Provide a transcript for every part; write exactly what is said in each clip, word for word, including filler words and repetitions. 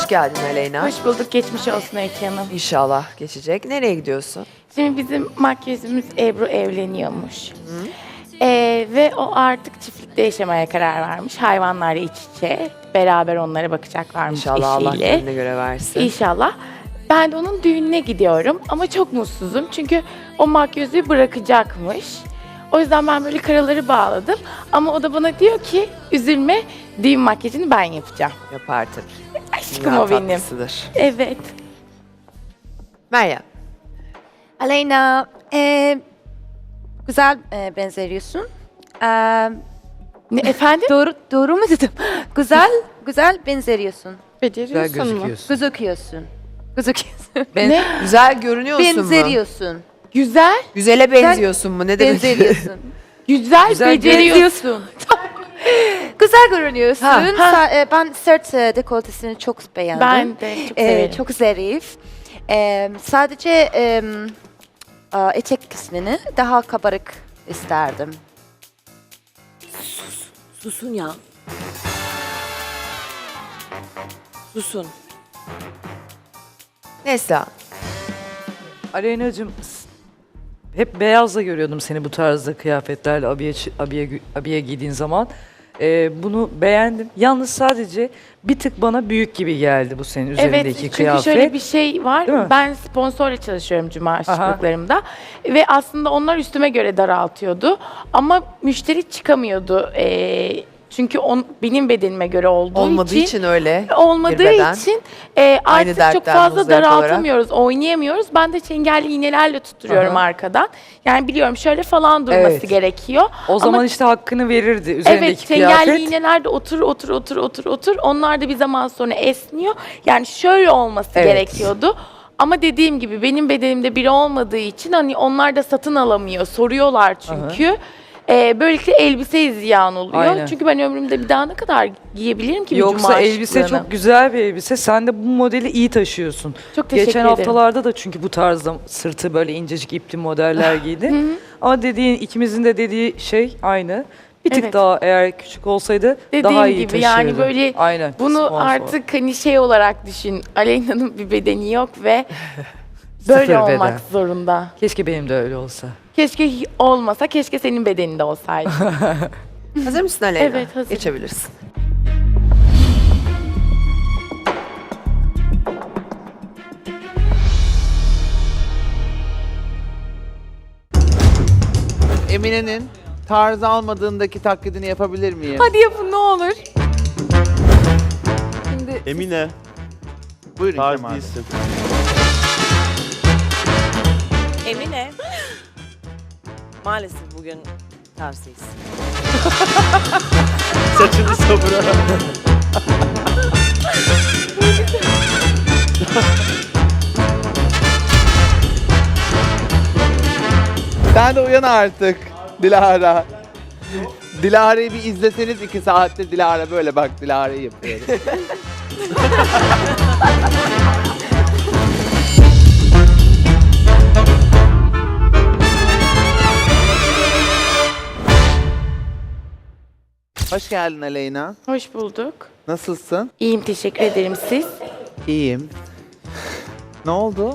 geldin Aleyna. Hoş bulduk. Geçmiş olsun Öykü Hanım. İnşallah geçecek. Nereye gidiyorsun? Şimdi bizim makyözümüz Ebru evleniyormuş. Ee, ve o artık çiftlikte yaşamaya karar vermiş. Hayvanlarla iç içe. Beraber onlara bakacaklarmış İnşallah Allah eşiyle. gönlüne göre versin. İnşallah. Ben de onun düğününe gidiyorum ama çok mutsuzum. Çünkü o makyözü bırakacakmış. O yüzden ben böyle karaları bağladım. Ama o da bana diyor ki üzülme, düğün makyajını ben yapacağım. Yapar tabii. Aşkım Dünya o benim. tatlısıdır. Evet. Meryem. Aleyna, e, güzel e, benzeriyorsun. E, Ne, efendim? doğru doğru mu dedim? Güzel, güzel benzeriyorsun. Güzel Beceriyorsun mu? gözüküyorsun. Gözüküyorsun. Gözüküyorsun. Ben, Ne? Güzel görünüyorsun mu? Benzeriyorsun. Güzel, Güzele benziyorsun mu? Ne demek? Benzeriyorsun. güzel, Güzel beceriyorsun. Güzel görünüyorsun. Ha. Sa- e, ben sırt e, dekoltesini çok beğendim. Ben de çok E, severim. çok zarif. E, sadece e, a, etek kısmını daha kabarık isterdim. Susun ya. Susun. Neslihan. Aleyna'cığım hep beyazla görüyordum seni bu tarzda kıyafetlerle abiye, abiye, abiye giydiğin zaman. Ee, bunu beğendim. Yalnız sadece bir tık bana büyük gibi geldi bu senin Evet, üzerindeki çünkü kıyafet. şöyle bir şey var. Değil mi? Ben sponsorla çalışıyorum cuma aşçılıklarımda. Ve aslında onlar üstüme göre daraltıyordu. Ama müşteri çıkamıyordu. Ee, çünkü on, benim bedenime göre olduğu Olmadığı için, için, öyle. olmadığı bir beden. için e, Aynı artık çok dertten fazla muzdarip daraltamıyoruz, oynayamıyoruz. Ben de çengelli iğnelerle tutturuyorum Aha. arkadan. Yani biliyorum şöyle falan durması Evet. gerekiyor. O zaman Ama işte hakkını verirdi üzerindeki evet, çengelli kıyafet. iğneler de otur otur otur otur otur. Onlar da bir zaman sonra esniyor. Yani şöyle olması Evet. gerekiyordu. Ama dediğim gibi benim bedenimde biri olmadığı için hani onlar da satın alamıyor. Soruyorlar çünkü. Ee, böylelikle elbise ziyan oluyor. Aynen. Çünkü ben ömrümde bir daha ne kadar giyebilirim ki bir Yoksa cuma elbise şıklığını? çok güzel bir elbise. Sen de bu modeli iyi taşıyorsun. Çok teşekkür Geçen ederim. haftalarda da çünkü bu tarzda sırtı böyle incecik ipli modeller giydin. Ama dediğin ikimizin de dediği şey aynı. Bir tık Evet. daha eğer küçük olsaydı Dediğim daha iyi gibi yani taşırdı. böyle Aynen. bunu sponsor. artık hani şey olarak düşün. Aleyna'nın bir bedeni yok ve böyle Sıfır olmak beden. zorunda. Keşke benim de öyle olsa. Keşke hi- olmasa, keşke senin bedeninde olsaydı. Hazır mısın Aleyna? Evet, hazırım. Geçebilirsin. Emine'nin tarz almadığındaki taklidini yapabilir miyim? Hadi yapın ne olur. Emine, Buyurun tarz Kemal Bey. değilsin. Emine. Maalesef bugün tarzıyız. Saçını sabıra. Sen de uyan artık Dilara. Dilara'yı bir izleseniz iki saattir Dilara böyle bak Dilara'yı yapıyorum. Hoş geldin Aleyna. Hoş bulduk. Nasılsın? İyiyim, teşekkür ederim. Siz? İyiyim. Ne oldu?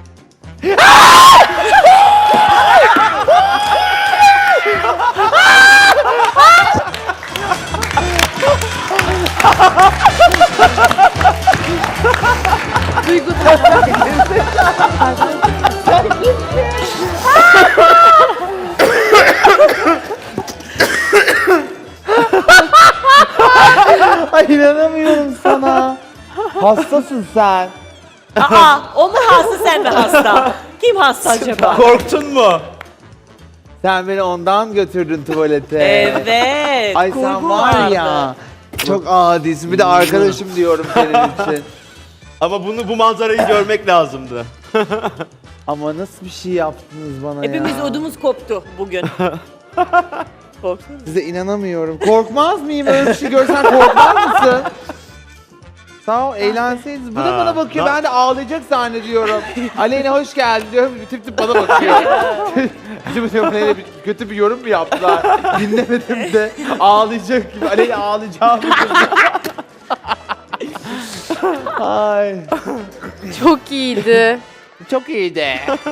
Ay inanamıyorum sana. Hastasın sen. Aa, o mu hasta sen mi hasta? Kim hasta acaba? Korktun mu? Sen beni ondan götürdün tuvalete. Evet. Ay sen kurgu var vardı. ya. Çok adisin. Bir de arkadaşım diyorum senin için. Ama bunu bu manzarayı görmek lazımdı. Ama nasıl bir şey yaptınız bana Hepimiz ya? ödümüz koptu bugün. Korktun mu? Size inanamıyorum. Korkmaz mıyım? Öyle bir şey görsen korkmaz mısın? Sağ ol, eğlenseydiniz. Bu da Ha, bana bakıyor. na- Ben de ağlayacak zannediyorum. Aleyna hoş geldin diyorum. Tip tip bana bakıyor. Acaba diyorum Aleyna bir, kötü bir yorum mu yaptılar? Dinlemedim de ağlayacak gibi. Aleyna ağlayacağım. Ay. Çok iyiydi. Çok iyiydi.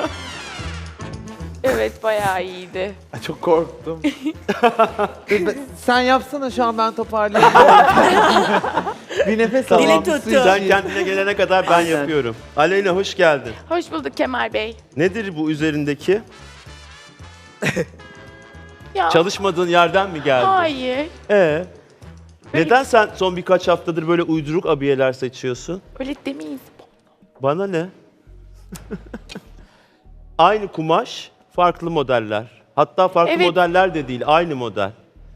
Evet, bayağı iyiydi. Ay, çok korktum. Dur, ben- Sen yapsana şu an ben toparlayayım. Bir nefes Tamam. alayım. Dili bir tuttu. su Sen içeyim. kendine gelene kadar ben yapıyorum. Aleyna hoş geldin. Hoş bulduk Kemal Bey. Nedir bu üzerindeki? Ya, Çalışmadığın yerden mi geldi? hayır. Ee, neden sen son birkaç haftadır böyle uyduruk abiyeler seçiyorsun? Öyle demeyiz. Bana ne? Aynı kumaş, farklı modeller. Hatta farklı Evet. modeller de değil, aynı model.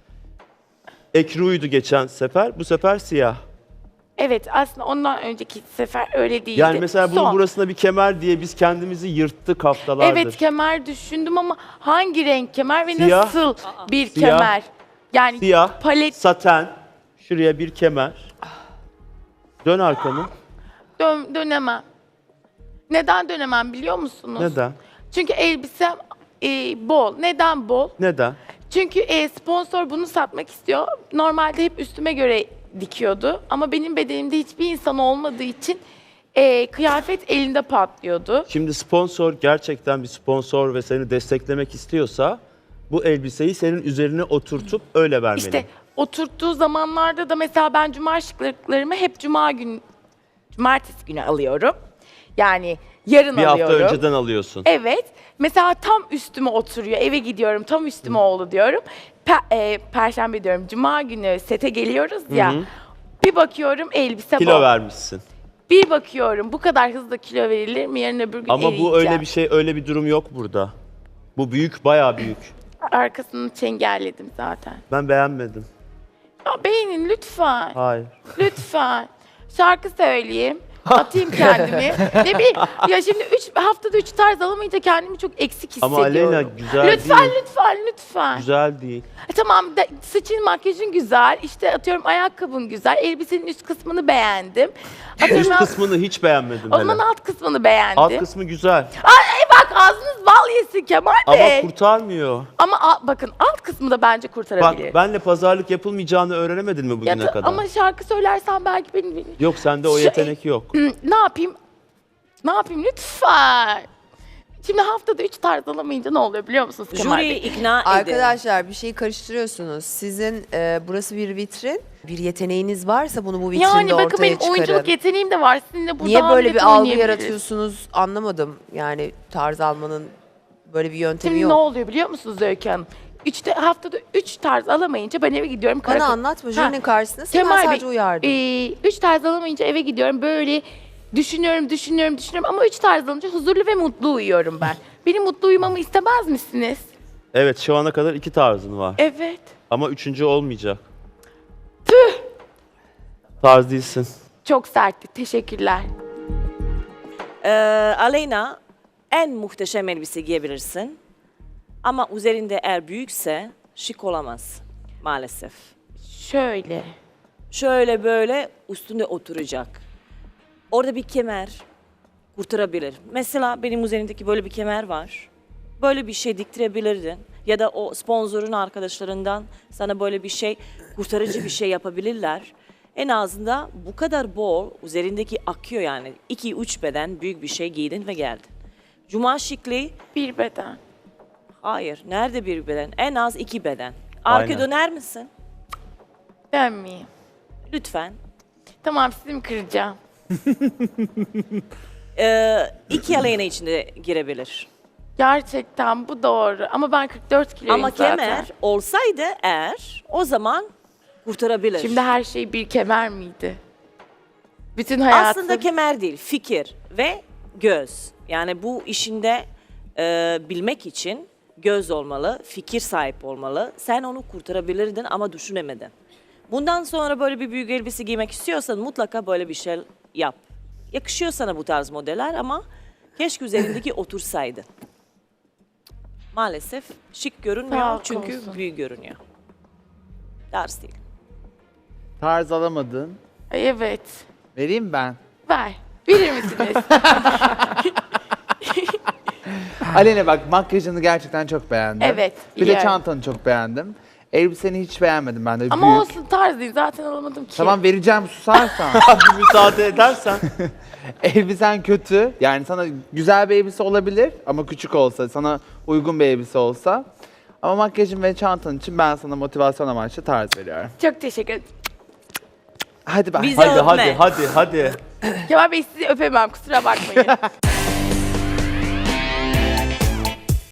Ekru'ydu geçen sefer, bu sefer siyah. Evet, aslında ondan önceki sefer öyle değildi. Yani mesela bunun Son. burasına bir kemer diye biz kendimizi yırttık haftalardır. Evet, kemer düşündüm ama hangi renk kemer ve Siyah. nasıl bir Siyah. kemer? Yani Siyah, palet saten, şuraya bir kemer. Dön arkanı. dön, dönemem. Neden dönemem biliyor musunuz? Neden? Çünkü elbisem e, bol. Neden bol? Neden? Çünkü e, sponsor bunu satmak istiyor. Normalde hep üstüme göre dikiyordu. Ama benim bedenimde hiçbir insan olmadığı için e, kıyafet elinde patlıyordu. Şimdi sponsor gerçekten bir sponsor ve seni desteklemek istiyorsa bu elbiseyi senin üzerine oturtup öyle vermeli. İşte oturttuğu zamanlarda da mesela ben cuma şıklıklarımı hep cuma gün, cumartesi günü alıyorum. Yani yarın bir hafta alıyorum. önceden alıyorsun. Evet. Mesela tam üstüme oturuyor. Eve gidiyorum. Tam üstüme oldu diyorum. Pe- e, Perşembe diyorum. Cuma günü sete geliyoruz ya. Hı hı. Bir bakıyorum elbise Kilo bol. vermişsin. Bir bakıyorum bu kadar hızlı kilo verilir mi? Yarın öbür gün Ama bu eriyeceğim. öyle bir şey, öyle bir durum yok burada. Bu büyük, bayağı büyük. Arkasını çengelledim zaten. Ben beğenmedim. Ya beğenin lütfen. Hayır. Lütfen. Şarkı söyleyeyim. Atayım kendimi. Ne bileyim. Ya şimdi üç, haftada üç tarz alamayınca kendimi çok eksik Ama hissediyorum. Aleyna güzel lütfen, değil. lütfen, lütfen. Güzel değil. E, tamam da, saçın makyajın güzel. İşte atıyorum ayakkabın güzel. Elbisenin üst kısmını beğendim. Atıyorum Üst alt- kısmını hiç beğenmedim o zaman hele. alt kısmını beğendim. Alt kısmı güzel. Ay bak ağzınız bal yesin Kemal Ama Bey. kurtarmıyor. Ama al- bakın alt kısmı da bence Bak kurtarabilir. benle pazarlık yapılmayacağını öğrenemedin mi Ya bugüne da- kadar? ama şarkı söylersen belki benim... benim- Yok sende o Şu- yetenek yok. Hı, ne yapayım? Ne yapayım lütfen? Şimdi haftada üç tarz alamayınca ne oluyor biliyor musunuz Kemal Jüriyi Bey? ikna edin. Arkadaşlar bir şeyi karıştırıyorsunuz. Sizin e, burası bir vitrin. Bir yeteneğiniz varsa bunu bu vitrinde Yani bakın ortaya benim çıkarın. oyunculuk yeteneğim de var. Sizinle burada Niye böyle Hamlet'i bir algı oynayabiliriz. yaratıyorsunuz anlamadım. Yani tarz almanın böyle bir yöntemi Şimdi yok. ne oluyor biliyor musunuz Öykü Hanım? Üçte, haftada üç tarz alamayınca ben eve gidiyorum. Bana karakol- anlatma jürinin karşısında sen Kemal sadece Bey, uyardın. e, üç tarz alamayınca eve gidiyorum böyle düşünüyorum, düşünüyorum, düşünüyorum ama üç tarz alınca huzurlu ve mutlu uyuyorum ben. Benim mutlu uyumamı istemez misiniz? Evet şu ana kadar iki tarzın var. Evet. Ama üçüncü olmayacak. Tüh! Tarz değilsin. Çok sertti. Teşekkürler. Ee, Aleyna en muhteşem elbise giyebilirsin. Ama üzerinde eğer büyükse şık olamaz maalesef. Şöyle. Şöyle böyle üstünde oturacak. Orada bir kemer kurtarabilir. Mesela benim üzerimdeki böyle bir kemer var. Böyle bir şey diktirebilirdin. Ya da o sponsorun arkadaşlarından sana böyle bir şey, kurtarıcı bir şey yapabilirler. En azından bu kadar bol, üzerindeki akıyor yani. iki üç beden büyük bir şey giydin ve geldin. Cuma şıklığı, Bir beden. hayır. Nerede bir beden? En az iki beden. Arka Aynen. döner misin? Dönmeyeyim. Lütfen. Tamam sizi mi kıracağım? Ee, iki Aleyna içinde girebilir. Gerçekten bu doğru. Ama ben kırk dört kiloyum Ama zaten. kemer olsaydı eğer o zaman kurtarabilir. Şimdi her şey bir kemer miydi? Bütün hayatım. Aslında kemer değil, fikir ve göz. Yani bu işinde e, bilmek için göz olmalı, fikir sahip olmalı. Sen onu kurtarabilirdin ama düşünemedin. Bundan sonra böyle bir büyük elbise giymek istiyorsan mutlaka böyle bir şey yap. Yakışıyor sana bu tarz modeller ama keşke üzerindeki otursaydı. Maalesef şık görünmüyor Sağ ol, çünkü olsun. büyük görünüyor. Tarz değil. Tarz alamadın. Ay, evet. Vereyim ben. Ver. Verir misiniz? Aleyna bak makyajını gerçekten çok beğendim. Evet, Bir de biliyorum. çantanı çok beğendim. Elbiseni hiç beğenmedim ben de. Ama büyük. olsun tarz değil. Zaten alamadım ki. Tamam vereceğim susarsan. Bir müsaade edersen. Elbisen kötü. Yani sana güzel bir elbise olabilir ama küçük olsa, sana uygun bir elbise olsa. Ama makyajın ve çantan için ben sana motivasyon amaçlı tarz veriyorum. Çok teşekkür ederim. Hadi bak. Bize hadi öpme. hadi hadi hadi. Kemal Bey sizi öpemem kusura bakmayın.